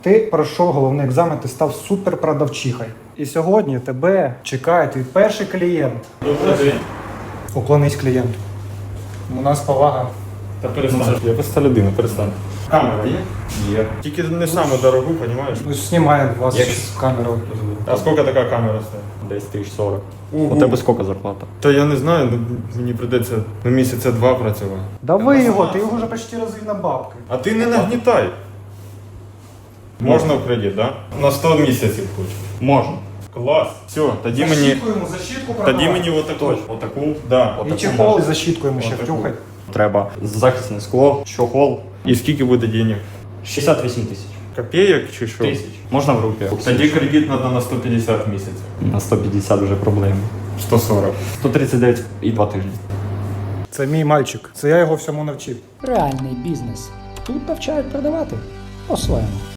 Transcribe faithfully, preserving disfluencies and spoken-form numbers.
Ти пройшов головний екзамен, ти став суперпродавчихою. І сьогодні тебе чекає твій перший клієнт. Добрий день. Уклонись клієнту. У нас повага. Та перестань. Я просто людина, перестань. Камера є? Є. Тільки не саме дорогу, розумієш? Ну, знімає вас Як? з камерою. А скільки така камера стоїть? Десь тисяч сорок. Ого. У тебе скільки зарплата? Та я не знаю, ну, мені прийдеться на місяця два працювати. Дави його, ти його вже почти розвів на бабки. А ти не нагнітай. Можна в кредит, так? Да? На сто місяців хочу. Можна. Клас. Все, тоді мені... Защітку йому, защітку продавай. Тоді мені отаку. Отаку? Да. І чехол, і защітку йому ще Отаку. втюхай. Треба захисне скло, чохол. І скільки буде денег? шістдесят вісім тисяч. Копійок чи що? Тисяч. Можна в руки. Тоді кредит треба на сто п'ятдесят місяців. На сто п'ятдесят вже проблеми. сто сорок. сто тридцять дев'ять і два тижні. Це мій мальчик. Це я його всьому навчив. Реальний бізнес. Тут навчають продавати по-своєму.